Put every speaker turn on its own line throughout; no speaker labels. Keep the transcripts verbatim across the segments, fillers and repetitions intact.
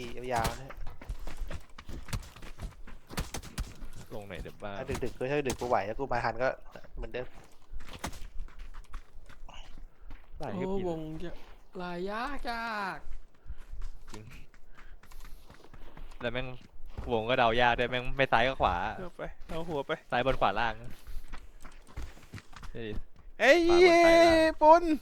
ขี่ยาวๆนะ
ลงไหนเดี๋ยวบ้า
ถ้าดึกๆก็ถ้าดึกกูไหวแล้วกูมาทันก็เหมือนเดิม
ลาย
โอ้
คือปี
วงจะลายยากยาก
จริงแล้วแม่งวงก็เดายากด้วยแม่งไม่ซ้ายก็ขวา
เอาไปเอาหัวไป
ซ้ายบนขวาล่างเฮ้ย
เอ้ย
ขวาบนซ้ายล่าง
ปุน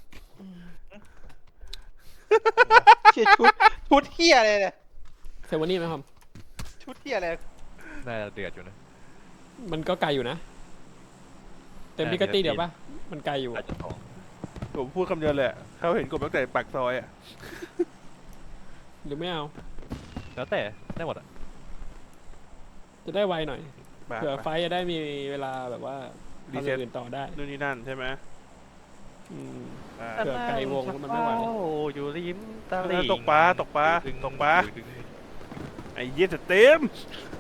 เชี่ยชุดชุดเที่ยอะไรเนี่ย
เซเวอนี่ไหมครับ
ชุดเที่ยอะไร
น่าจะเดือดอยู่นะ
มันก็ไกลอยู่นะ เต็มพิกัดตีเดี๋ยวปะมันไกลอยู่
อาจจะสอง
ผมพูดคำเดียวเลยอะเขาเห็นกบตั้งแต่ปากซอยอ่ะ
หรือไม่เอา
แล้วแต่ได้หมดอ่ะ
จะได้ไวหน่อย
มา
เผื่อ
ไป
ไฟท์จะได้มีเวลาแบบว่า
รี
ทำอ
เซ็ต
ย่างอื่นต่อได้
นู่นนี่นั่นใช่ไหม
อืม
อ่า
เผื่อไกลวงแล้วมันไม่ไหว
อยู่ริมตลิ่ง
ตกปลาตกปลา
ดึง
ตกปลา
ดึง
ไอ้เหี้ยจะเต็ม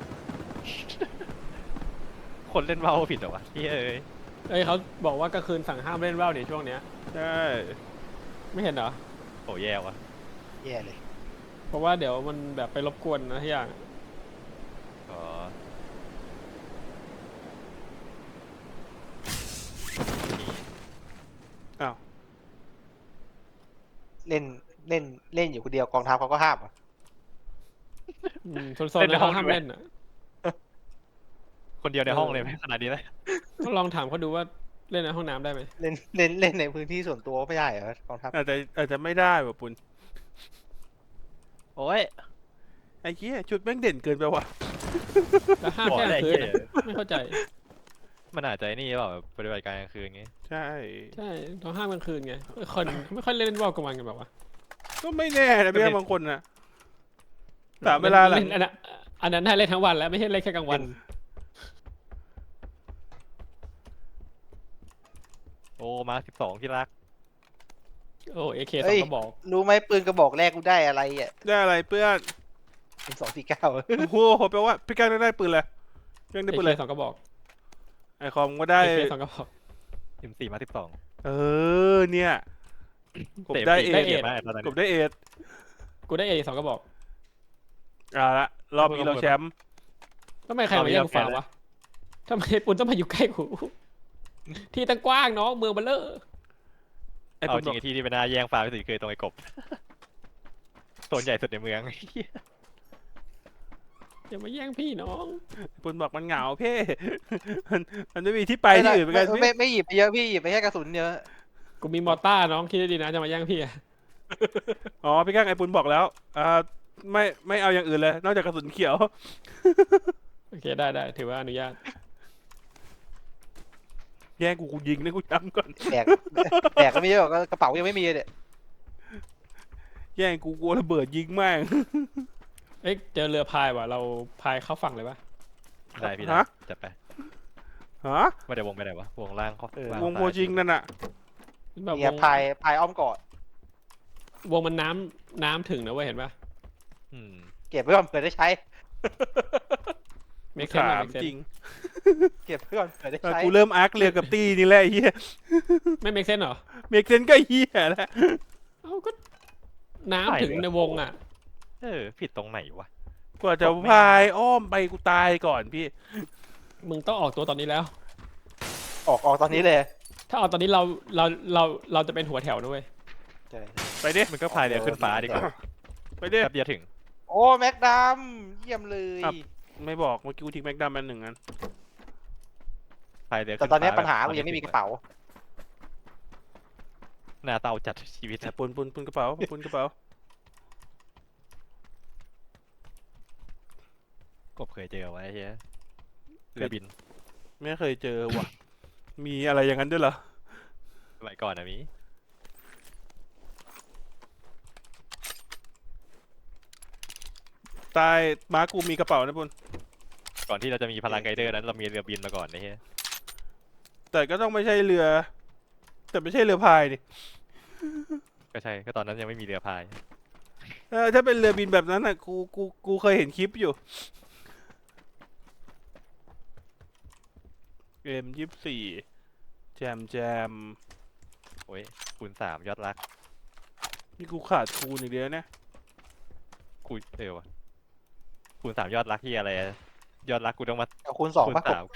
คนเล่นเมาผิดเหรอวะพี่เอ้ย
เอ้ยเขาบอกว่ากลางคืนสั่งห้ามเล่นว่าวในช่วงเนี้ย
ใช่
ไม่เห็นเหรอ
โหแย่ว่ะ
แย่เลย
เพราะว่าเดี๋ยวมันแบบไปรบกวนนะที่อย่าง
อ๋อ
อ้าว
เล่นเล่นเล่นอยู่คนเดียวกองทัพเขาก็ห้ามอ่ะ
อืมโซนๆนะเขาห้ามเล่นอ่ะ
คนเดียวในห้องเลยไหมขนาดนี้เลย
ก็ลองถามเขาดูว่าเล่นในห้องน้ำได้ไหม
เล่นเล่นเล่นในพื้นที่ส่วนตัวไม่ได้เหรอกองทัพ
อาจจะอาจจะไม่ได้ว่ะปุน
โอ้ย
ไอ้เหี้ยชุดแม่งเด่นเกินไปว่ะ
แล้วห้าม
บอก
แค่ก
ได้
ลางคืน
เหี้ย
นะไม่เข้าใจ
มันอาจจะไอ้นี่เปล่าแบบปฏิบัติการกลางคืนงี้
ใช่
ใช่ต้องห้ามกลางคืนไงคนไม่ค่อยเล่นว่าวกลางวันกันแบบว่า
ก็ไม่แน่นะพี่บางคนนะสามเวลาหลัง
อันนั้นอันนั้นให้เล่นทั้งวันแล้วไม่ใช่เล่นแค่กลางวัน
โอ้มาสิบสองที่รัก
โอ้เอเคสองก็บอก
รู้ไหมปืนกระบอกแรกกูได้อะไรอ่ะ
ได้อะไรเพื่อน
เป็นสองสี่เก้า
โอ้โหแปลว่าพี่ก้าวได้ปืนเลยพี่ก้าวได้
เอ
ปืน
เค
เลย
สองก็บอก
ไอคอมก็ได้
เอเคสองก็บอก
สิบสี่มาสิบสอง
เออเนี่ยกบได้เอ
ได้
ท
เอ็ด
มากตอนนั้น
กบได้เอท
กูได้เอสองก็บอก
อ่าละรอบนี้เราแชมป์
ทำไมใครมาแย่งกูฟาร์มวะทำไมปุนต้องมาอยู่ใกล้กูที่ตั้งกว้างน้องเมืองเบลเลอร์
ไอ้
เอา
ปุณ
จ
บ
ริ
อง ก
ไอ้ที่ที่เป็นหน้าแย่งฟาร์มที่สุดคือตรงไอ้กบโซนใหญ่สุดในเมือง
อย่ามาแย่งพี่น้อง
ปุณบอกมันเหงาเพ่ มันมันไม่มีที่ไปที่อื่นเหมือนกัน
ไม่
พี่
ไม่ไม่หยิบไปเยอะพี่หยิบไปแค่กระสุนเยอะ
กูมีมอต้าน้องคิดดีๆนะจะมาแย่งพี่อะ
อ๋อพี่ก้างไอ้ปุณบอกแล้วอ่าไม่ไม่เอาอย่างอื่นเลย นอกจากกระสุนเขียว
โอเคได้ได้ถือว่าอนุญาต
แย่งกูกูยิงนะกูย้ำก่อน
แบกแบกก็ไม่เยอะหรอกกระเป๋ายังไม่มีเลย
แย่งกูกลัวระเบิดยิงแม่ง
เอ๊ะเจอเรือพายว่ะเราพายเข้าฝั่งเลยปะ
ได้พี่ได้
ฮะ
จัดไป
ฮะ
ไม่ได้วงไปไหนวะวงล่างเขา
เออ
ล่าง
วง
ซ้าย
โพจิงนั่นน่ะ
แบบว
เนี่ย
ง
พายพายอ้อมเกาะ
วงมันน้ำน้ำถึงนะเว้ยเห็นปะ
อืม
เก็บไว้ก่อนเผื่อได้ใช้
เมคเซน
ถาม
เมคเซน
จริง
เก็บไว้ก่อนเผื่อได้
เออ
ใช้
กูเริ่มอาร์คเรือกับตีนี่แหละไอ้เฮีย
ไม่เมคเซนเหรอ
เมกเซนก็เฮียแล้ว
เอ้าก็น้ำถึงในวงอ่ะ
เออผิดตรงไหนวะ
กว่าจะพายอ้อมไปกูตายก่อนพี่
มึงต้องออกตัวตอนนี้แล้ว
ออกออกตอนนี้เลย
ถ้าออกตอนนี้เราเราเราเราจะเป็นหัวแถวนะเว้ย
ใช่
ไปดิ
มันก็พายเรือขึ้นฟ้าดีกว่า
ไปดิ
แป๊บเดียวถึง
โอ้แม็กดัมเยี่ยมเลย
ครับ ไม่บอกเมื่อกี้กูทิ้งแม็กดัมมันหนึ่งอัน
พายเรือ
แต่
ขึ้น
ตอนนี้
ฟ้
ปัญหา
แบบ
กูยังไม่มีกระเป๋า
หน้าเตาจัดชีวิต
แต่ปุนปุนปุนกระเป๋าปุนกระเป๋าก
บเคยเจอไว้เฮียเรือบิน
ไม่เคยเจอว่ะ มีอะไรอย่างนั้นด้วยเหรอ
สมัยก่อนนะมี
ใต้ม้ากูมีกระเป๋านะปุน
ก่อนที่เราจะมีพลังไกเดอร์นั้นเรามีเรือบินมาก่อนนะเฮีย
แต่ก็ต้องไม่ใช่เรือ แต่ไม่ใช่เรือพายดิ
ก็ใช่ก็ตอนนั้นยังไม่มีเรือพาย
เออถ้าเป็นเรือบินแบบนั้นอ่ะกูกูกูเคยเห็นคลิปอยู่เอ็มยี่สิบสี่แจมแจม
โอ้ยคูณสามยอดรัก
นี่กูขาดคูณอีกเดียวเนี่ย
กูเออวะคูณสามยอดรักที่อะไรอะยอดรักกูต้องมา
เอาคูณสอง
คูณ
ป่ะ
สามกู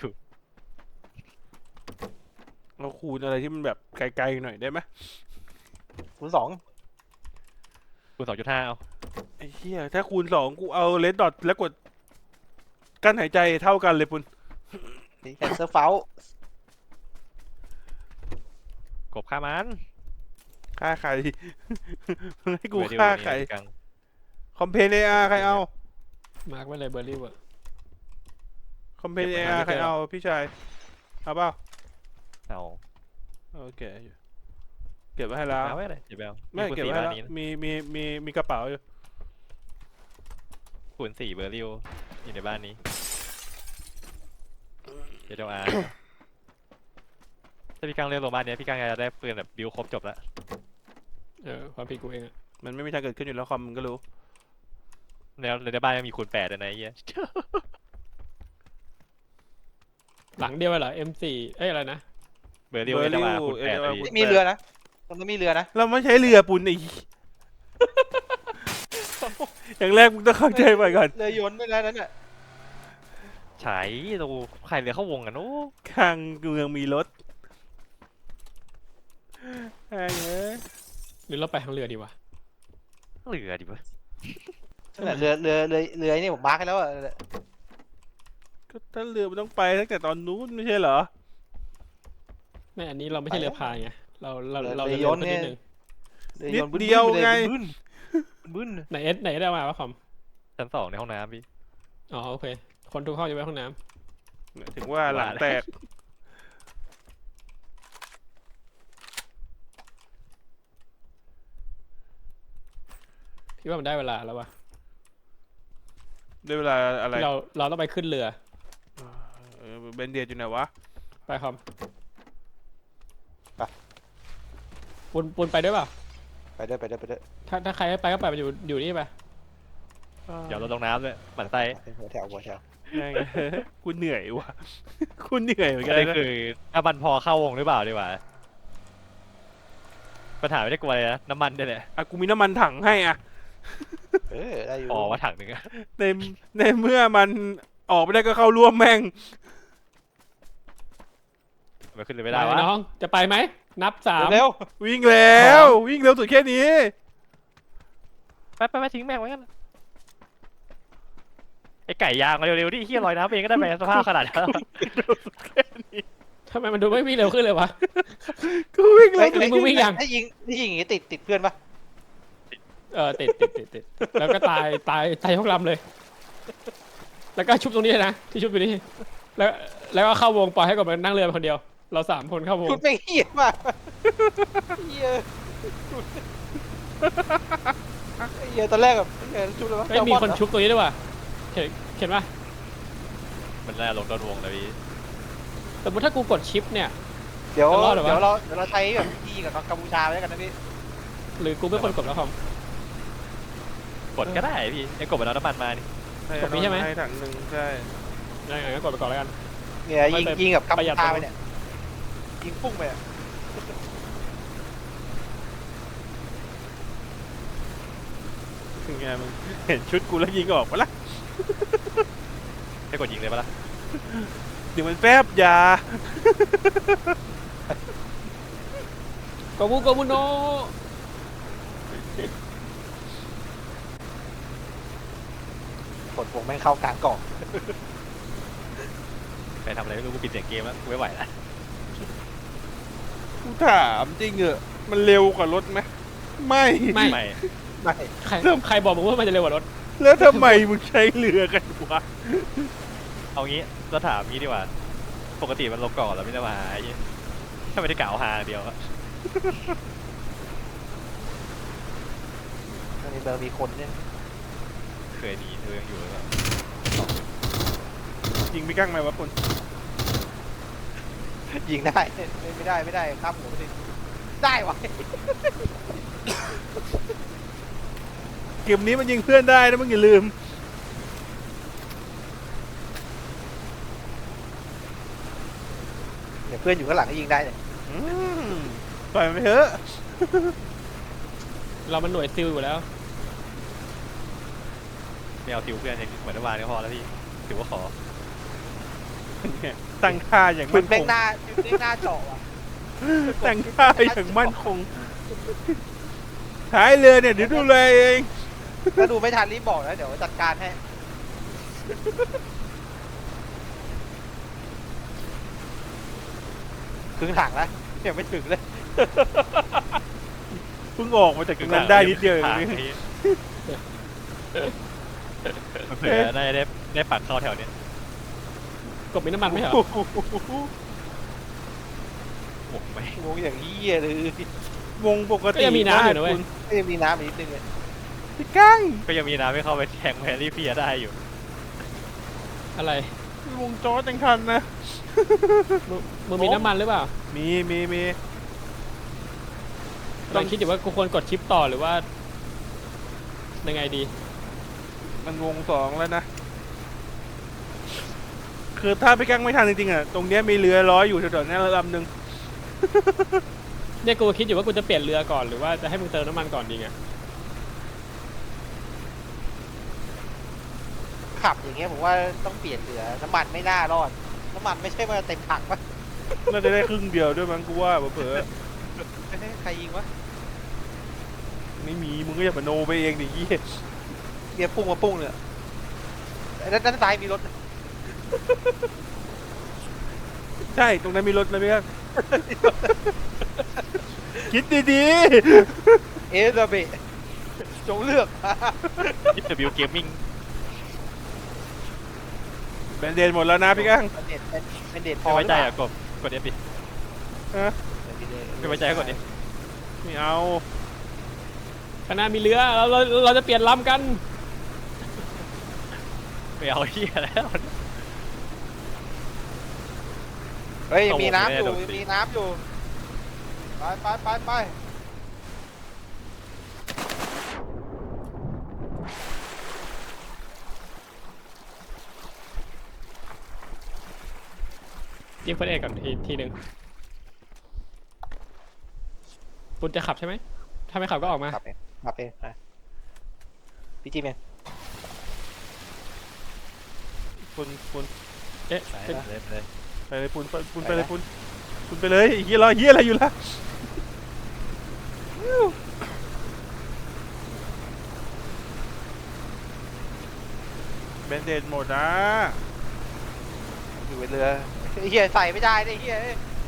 เราคูณอะไรที่มันแบบไกลๆหน่อยได้ไหม
คูณสอง
คูณสองจุดห้าเอา
ไอ้เหี้ยถ้าคูณสองกูเอาเลดดอทแล้วกดกั้นหายใจเท่ากันเลยปุน
แคนเซอร์เฟล
กบฆ่ามัน
ฆ่าใคร มึงให้กู
เวดิว
ฆ่า
นี่
ใคร
กัง
คอมเพนเออาร์ใครเอา
มาร์กไว้เลยเบอร์รี่อะ
คอมเพนเออาร์ใครเอาพี่ชายเอาเปล่า
เอา
โอเคเก็บไว้ให้แล้ว
เอาไว้เลยเดี๋ยวไปเอา
ไม่
คูณ
เก็บ
สี่
ไว้ให้
บ้าน
แล้ว
นี้นะ
มีมีมีมีกระเป๋าอยู่
คูณสี่เบอร์ริวอยู่ในบ้านนี้เดี๋ยวเดี๋ยวอาร์ถ้าพี่กังเล่นโรบ้านเนี้ยพี่กังจะได้ปืนแบบบิวครบจบแล้ว
เออความผิดกูเองอะ
มันไม่มีทางเกิดขึ้นอยู่แล้วคอมมึงก็รู้
แล้วในบ้านยังมีคูณแปดเลยนะไอ้เหี้ย
หลังเดียวเหรอ เอ็ม โฟร์ เอ้ยอะไรนะ
เบอร์ริว
เบอ
เอ
ร์
เด
ริว
วาคูณแปด
เอเด
เล
วา
ย
คูณ
มีเรือนะตรงนั้นมีเรือนะ
เราไม่ใช้เรือปุนไอ้ อย่างแรกมึงต้องเข้าใจไปก่อน
เรือยนต์ด้วยนะนั่นน่ะ
ใช้ดูใครเหลือเข้าวงกันโอ้
ข้างเมืองมีรถไอ้เอ้ย
หรือเราไปทางเรือดีวะ
เหลือดิวะ
นั่นแหละเรือเรือเรือเรือนี่ผมมาร์คให้แล้วอะ
ก็ถ้าเรือมันต้องไปตั้งแต่ตอนนู้นไม่ใช่เหรอ
ไม่อันนี้เราไม่ใช่เรือพายไงเราเราเรา
เรื
จะ
อย
เร็วน
ต์
ขึ้น
เนี่
นิ
ย
ดนึง
เรือ
นิด
ยนต์บึ้น
เดียว
บึ้น
ไง
บึ้นบึ้น
ไหนเอสไหนได้มาวะคอม
ชั้นสองในห้องน้ำพี่
อ๋อโอเคคนทุกห้องจะไปห้องน้
ถึงว่าหลังแตก
ำพี่ว่ามันได้เวลาแล้ววะ
ด้วยเวลาอะไร
ที่เราเราต้องไปขึ้นเรือ
เออเบนเดียดอยู่ไหนวะ
ไปคอมปุนปุนไปด้วยเปล่า
ไปด้วยไปด้วยไปด้วย
ถ้าถ้าใครไม่ไปก็ไปไปอยู่อยู่นี่ไป
เดี๋ยวเราลงน้ำด้วยหมั่นไส้
เป็นหัวแถวหัวแถว
แม่ง กูเหนื่อยว่ะ กูเหนื่อยเหมือน
ก็
กัน
เลย
นะ
คือถ้ามันพอเข้าวงหรือเปล่าดีกว่าปัญหาไม่ได้กลัวเลยนะน้ำมันด้วยแหละ
อ่ะกูมีน้ำมันถังให้อ่ะ
เออได้อยู่
พอว่าถังหนึ่งอะ
ในในเมื่อมันออกไม่ได้ก็เข้าร่วมแม่ง
มันขึ้นเลย
ไป
ไม่ได้วะ
น้องจะไปไหมนับสาม
เร็ว
วิ่งแล้ว วิ่งเร็วสุดแค่นี้
ไปไปไปทิ้งแม่งไว้กันไอไก่ยางมาเร็วๆดิเฮียลอยน้ำเองก็ได้แม่สภาพขนาดนั้น
ทำไมมันดูไม่วิ่งเร็วขึ้นเลยวะ
กูวิ่ง
ๆ
เร็ว
เฮ้ยมึงวิ่งยัง
ถ้ายิงถ้ายิงอย่างงี้ติดติดเพื่อนปะ
เออติดติดติดติดแล้วก็ตายตายตายยกลำเลย แล้วก็ชุบตรงนี้เลยนะที่ชุบอยู่นี่แล้วแล้วก็เข้าวงปล่อยให้กบมันนั่งเรือไปคนเดียว เราสามคนเข้าวง
ชุดไม่เหี้ยมากเหี้ยชุดเหี้ยตอนแรกแบบเหี้ยชุดเลยวะ
ไม่มีคนชุบตรงนี้ด้วยว่ะเห็นเห็นปะ
มันน่าลงโดนวงเลยพี่
สมมติถ้ากูกดชิปเนี่ย
เดี๋ยว
จะรอดเหรอวะ
เดี๋ยวเราเดี๋ยวเราใช้แบบยิงกับกัมพูชาไว้แล้วกันนะพี่
หรือกูไม่ควรกดแล้วคอม
กดก็ได้พี่ไอ้กบมันเอาน้ำมันมานี่
กดนี้ใช่ไหม
ให้ถังหนึ่งใช่
ยังไงก็กดไปก่อนแล้วกัน
เนี่ยยิง
ไม่ไป
ยิงกับกัม
ป
พู
ระหยัด
ชา
ตรง
ไปเนี่ยยิงพุ่งไปอะ
ถึงไงมึงเห็นชุดกูแล้วยิงออกปะล่ะ
ให้กดยิงเลยปะล่ะ
เดี๋ยวมันแฟบยา
โกบุโกบุโน
กดวงแม่งเข้ากลางกล่อง
ไปทำอะไรไม่รู้กูปิดเสียงเกมแล้วกูไม่ไหวแล้ว
กูถามจริงเหอะมันเร็วกว่ารถไหมไม่
ไม่
ไม่
ไม่
ใครใครบอกมึงว่ามันจะเร็วกว่ารถ
แล้วทำไมมึงใช้เรือกันวะ
เอางี้เราถามงี้ดีกว่าปกติมันลงก่อนแล้วไม่ได้มาหาไอ้เหี้ยถ้าไม่ได้กล่าวหาเดียวอะ
อันนี้เบอร์มีคนเนี่ย
เคยหนีเธอยังอยู่หรือเปล่า
ยิงไม่กั้งไหมวะคุณ
ยิงได้ไม่ไม่ได้ไม่ได้ข้ามหัวไปดิได้วะ
เกมนี้มันยิงเพื่อนได้นะมึงอย่าลืม
เดี๋ยวเพื่อนอยู่ข้างหลังก็ยิงได้เนี่ย
อืมปล่อยมันไปเถอะ
เรามันหน่วยซิลอยู่แล้ว
ไม่เอาติวเพื่อนอย่างเหมือนเมื่อวานก็พอแล้วพี่ถือว่าขอ
เนี่ยตั้งค่าอย่าง
คุ
มั่
ณ
นค
แม่ง
ง
หน้าคุณแม่งหน้าเจาะอ่ะ
ตั้งค่าอย่างมั่นคงท้ายเรือเนี่ยเดี๋ยวดูเลยเอง
ถ้าดูไม่ทันรีบบอกนะเดี๋ยวจัดการให้ครึ่งถังแล้วยังไม่ถึงเลย
เพิ่งออกมาจากตรงนั้นได้นิดเดียวเอง
ทาง
นี่
นี้เผื่อน่าจะได้ได้ปักเข้าแถวเนี้ย
กบมีน้ำมันไหมเหรอ
โอ้โห
โอ้ไม่
งงอย่างเหี้ยเลยว
งปก
ก็
ติ
ยังมีน้ำอยู่นะเว้ย
คุณ
ก็ยังมีน้ำอีกนิดนึงเลย
พี่กั้ง
ก็ยังมีน้ำไม่เข้าไปแทงแพรรี่เพียได้อยู่
อะไร
วงจอจังทันนะ
มึงมึงมีน้ำมันหรือเปล่า
มีมีมี
ตอนคิดอยู่ว่ากูควรกดชิปต่อหรือว่ายังไงดี
มันวงสองแล้วนะ คือถ้าพี่กั้งไม่ทันจริงๆอ่ะตรงเนี้ยมีเรือร้อยอยู่แถวๆนี้ลำหนึ่ง
เนี่ยกูคิดอยู่ว่ากูจะเปลี่ยนเรือก่อนหรือว่าจะให้มึงเติมน้ำมันก่อนดีไง
ขับอย่างเงี้ยผมว่าต้องเปลี่ยนเรือน้ำมันไม่น่ารอดน้ำมันไม่ใช่ว่าเต็มถังปะ
น่าจะได้ครึ่งเดียวด้วยมั้งกูว่าเผลอ
ใครยิงวะ
ๆไม่มีมึงก็อย่ามาโนไปเองดิยี่
เบียร์พุ่งมาพุ่งเลยด้านด้านซ้ายมีรถ
ใช่ตรงนั้นมีรถนะพี่กั้ง คิดดี
เอเดเบะจงเลือก
ยิปวิวเกมมิ่ง
ๆแบนเดนหมดแล้วนะพี่กั้ง
เป็นเด็ดเป็นเด็ดพ
ไม่
อ
ไว้ใจอ่ะกบกดเอฟดิ
ฮะ
ไม่ไว้ใจก็กดดิ
ไม่เอา
ข้างหน้ามีเรือเราเราเราจะเปลี่ยนลำกัน
ไม่เอาเฮียแล้ว
เฮ้ยมีน้ำอยู่มีน้ำอยู่ไปไปไปไป
ยิงเฟิร์สเอ็ดก่อนทีทีหนึ่งปุณจะขับใช่ไหมถ้าไม่ขับก็ออกมา
ขับเองขับเองพี่จีเมน
คุณคุณ
เอ๊ะ
ไปเลยไปเลย
ไปเลยปุนไปปุนไปเลยปุนปุนไปเลยไอ้เฮียรอเฮียอะไรอยู่ล่ะแบนเดนหมดนะ
อยู่บนเรือเฮียใส่ไม่ได้เลยเฮีย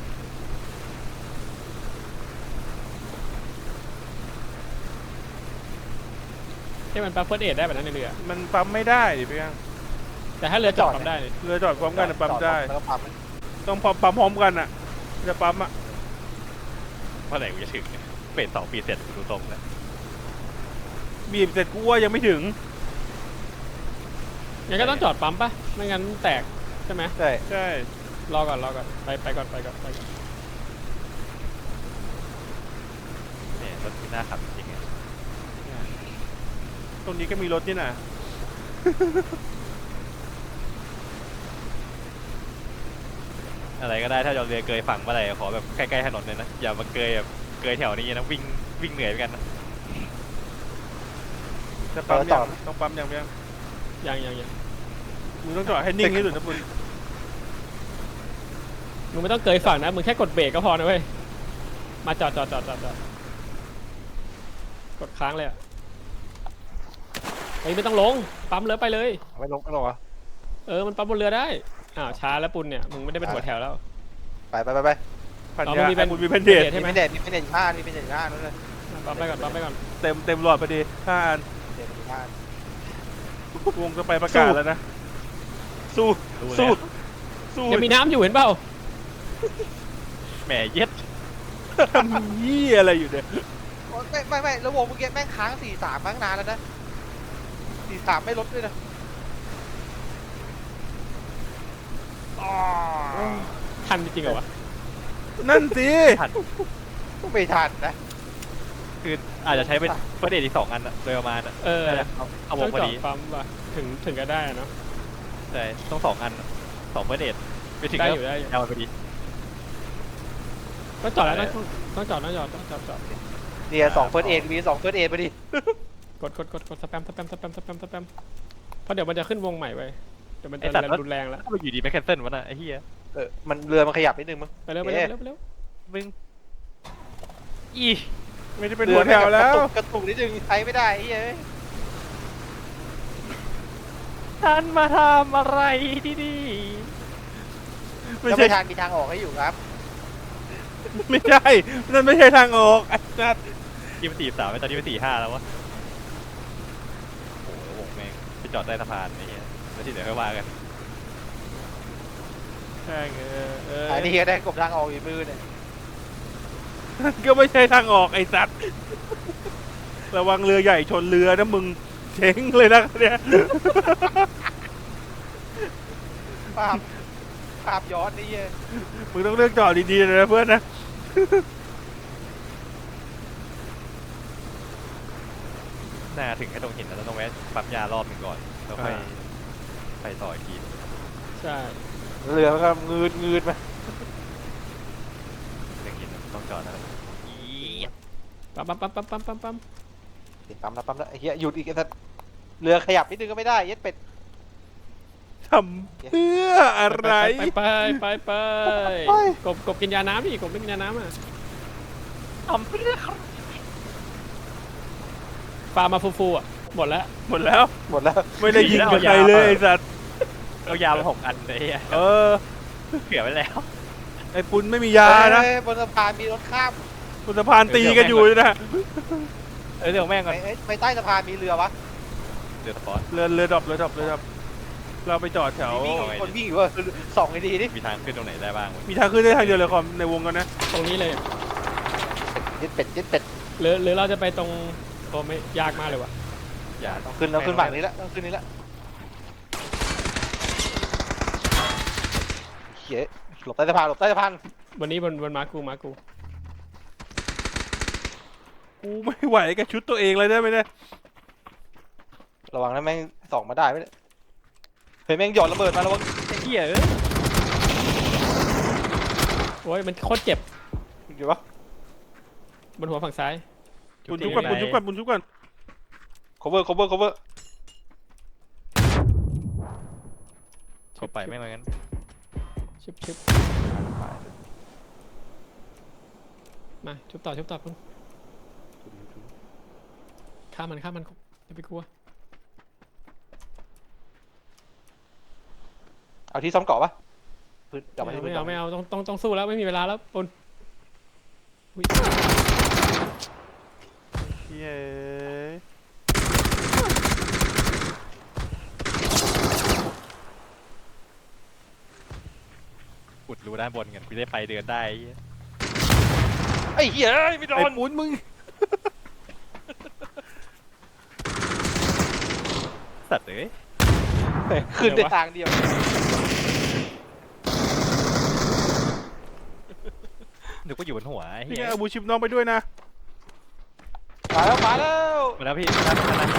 ที่มันปั๊มเฟิร์สเอ็ดได้แบบนั้นในเรือ
มันปั๊มไม่ได้ดิพี่ยัง
แต่ถ้าเรือจอดปั๊มได้นี่
เรือจอดพร้อมกันนะปั๊มได้
แล้วก็ปั๊ม
ต้องพร้อมปั๊มพร้อมกันอ่ะจะปั๊มอ่ะ
เมื่อไหร่กูจะถึงเนี่ยเปลี่ยนสองปีเสร็จดูตรงแล้ว
บีบเสร็จกูว่ายังไม่ถึง
งั้นก็ต้องจอดปั๊มปะไม่งั้นแตกใช่ไหม
ใช่
ใช่
รอก่อนรอก่อนไปไปก่อนไปก่อนไปก่อน
เนี่ยรถที่น่าขับจริงๆอะ
ตรงนี้ก็มีรถนี่น่ะ
อะไรก็ได้ถ้าจะเอาเรือเกยฝั่งเมื่อไหร่ขอแบบใกล้ๆถนนเลยนะอย่ามาเกยแบบเกยแถวนี้นะวิ่งวิ่งเหนื่อยไปกันนะ
จะปั๊มยังต้องปั๊มยังยัง
ยังยังยัง
มึงต้องจอดให้นิ่งที่สุดนะปุน
มึงไม่ต้องเกยฝั่งนะมึงแค่กดเบรกก็พอนะเว้ยมาจอดจอดจอดจอดจอดกดค้างเลยอะเฮ้ยไม่ต้องลงปั๊มเรือไปเลย
ไม่ลงไม่ลงเหรอ
เออมันปั๊มบนเรือได้อ้าวช้าแล้วปุณเนี่ยมึงไม่ได้เป็นหัวแถวแล้ว
ไปไปไปไป
พัน
อ๋อ
ยา
มันมีแบน
ปุนมีแพนเด
ใช่
ต
ไหม
มีเป็นเด็ดมีเป็นเด็ดห้ามีเป็นเด็ดห้านู่นเลย
ปั๊มไปก่อนปั๊มไปก่อน
เต็มเต็มหลอดพอดีห้าอัน
เด็ดห้าว
งจะไปประกาศแล้วนะ สู้
รู้
สู้
แล้ว
สู้
ยังมีน้ำอยู่เห็นเปล่า
แหมเย็ด
ทำยี่อะไรอยู่เนี่ย
ไม่ไม่ไม่แล้ววงเมื่อกี้แม่งค้างสี่สามค้างนานแล้วนะสี่สามไม่ลดด้วยนะอ๋อ
ทันจริงเหรอวะ
นั่นสิ
ทัน
ไม่ทันนะ
คืออาจจะใช้เป็นเฟิร์สเอดอีกสองอันอะโดยประมาณอะ
เออ
น่าจะเอาเอาว
ต้อง ง
พอ
จอด
ดี
ปั๊มว่ะถึงถึงก็ได้อะเนาะ
ใช่ต้องสองอันอะสองเฟิร์สเอดไปถึง
ได้
แล้ว
อยู่ได้อยู่
เอามันพอดี
ต้องจอดแล้วต้องต้องจอดต้องจอดต้องจอดจอด
เนี่ยสองเฟิร์สเอ็ดมีสองเฟิร์สเอ็ดไปดิ
กดกดกดกดสแปมสแปมสแปมสแปมสแปมเพราะเดี๋ยวมันจะขึ้นวงใหม่ไปเดี๋ยวมัน
ไอ้
จะ
สัตว์
รุนแรงแล้ว
ถ้ามันอยู่ดีไม่แคนเซิลวะน่ะไอ้เหี้ย
เออมันเรือมันขยับนิดนึงมั้ง
ไปเร็วไปเร็วไปเร็วไปเร็ว
มึงอี
ไม่ได้เป็นหัวแถวแล้ว
กระตุกกระตุกนิดนึงใช้ไม่ได้ไอ้เหี้ย
ท่านมาทำอะไรที่นี่
ไม่
แล้ว
ใช่
ไม่ทางมีทางออกให้อยู่ครับ
ไม่ใช่นั่นไม่ใช่ทางออกไอ้สัตว์
ยี่มันสี่สามตอนนี้มันสี่ห้าแล้ววะโอ้โหวงแม่งไปจอดใต้สะพานไอ้เหี้ยแล้วที่เหลือค่อยว่ากัน
ใช่เออเออ
อันนี้ก็ได้กบทางออกอีกมือเนี่ย
นั่นก็ไม่ใช่ทางออกไอ้สัตว์ระวังเรือใหญ่ชนเรือนะมึงเช้งเลยนะเนี่ย
ภาพภาพย้อนนี่เหี้ย
มึงต้องเลือกจอดดีๆเลยนะเพื่อนนะ
น่าถึงแค่ตรงหินแล้วต้องแวะปั๊มยารอบหนึ่งก่อนแล้วค่อยไปต่ออีกที
ใช่
เรือมันก็งืดงืดไป
เรื่องหินต้องจอดนะครับอี
ปั๊มปั๊มปั๊มปั๊มปั๊มปั๊มปั๊ม
ติดปั๊มแล้วปั๊มแล้วไอ้เหี้ยหยุดอีกไอ้สัสเรือขยับนิดนึงก็ไม่ได้เย็ดเป็ด
ทำเพื่ออะไร
ไปไปไปไปกบกบกินยาน้ำดิกบไม่กินยาน้ำอ่ะ
ทำเพื่อ
ปลามาฟูๆอ่ะหมดแล้ว
หมดแล้ว
หมดแล้ว
ไม่ได้ยิงกับใครเลยไอ้สัตว์
เอายามาหกอันเลยอ่ะ
เออ
เผื่อไว้แล้ว
ไอ้ปุ้นไม่มียานะ
เฮ้ยบนสะพานมีรถข้าม
บนสะพานตีกันอยู่เลยนะ
เออเดี๋ยวแม่งก่อน
ไปเอ้ยไปใต้สะพานมีเรือวะ
เดี๋ยวสปอร์ต
เรือเรือดรอปเรือดรอปเรือดรอปเราไปจอดแถว
มี
เอาไว้
คนวิ่งอยู่ว่าสองไอ้ดีนี่
มีทางขึ้นตรงไหนได้บ้างวะ
มีทางขึ้นได้ทางเดียวเลยคอมในวงกันนะ
ตรงนี้เลย
เย็ดเป็ดเย็ดเป็ด
หรือหรือเราจะไปตรงโอ้ไม่ยากมากเลยว่ะ
อย่า
ต้องขึ้นต้องขึ้นฝั่งนี้ละต้องขึ้นนี้ละเฮ้ยหลบใต้สะพานหลบใต้สะพาน
วันนี้บนบนมากูมากู
กูไม่ไหวกับชุดตัวเองเลยได้ไหมเนี่ย
ระวังนะแม่งส่องมาได้ไหมเนี่ยเฮ้ยแม่งหย่อนระเบิดมาระวัง
ไอ้เหี้ยเอ้ย
โอ้ยมันโคตรเจ็บ
อยู่ปะ
บนหัวฝั่งซ้าย
บุญชุบก่อนบุญชุบก่อนบุญชุบก่อน
cover cover cover
เข้าไปไม่งั้น
ชุบชุบมาชุบต่อชุบต่อคุณฆ่ามันฆ่ามันอย่าไปกลัว
เอาที่ซ้อมเกาะปะพื้นจับไป
ไม่
ที่
เอา
พื้น
ไม่เอาไม่เอาต้องต้องต้องสู้แล้วไม่มีเวลาแล้วปนอุ๊ย
เย้
อุดรูด้านบนกันกูได้ไปเดินได้ไอ้เหี้ย
ไอ้เหี้ยเอ้ยไม่โด
ไอ้
น
ปุ้นมึง
สัตว์เอ้ย
ขึ้นได้ทางเดียว
นึกว่าอยู่บนหัวไอ้
พี่
เหี้ย
เอาบูชิปน้องไปด้วยนะ
มาแล้วมาแล้ว
มาแล้วพี่มาแล้วมาแล้ว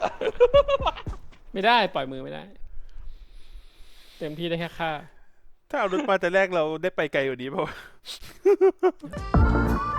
ไม่ได้ปล่อยมือไม่ได้ เต็มที่ได้แค่ฆ่า
ถ้าเอารถมาแต่แรกเราได้ไปไกลกว่านี้เปล่าวะ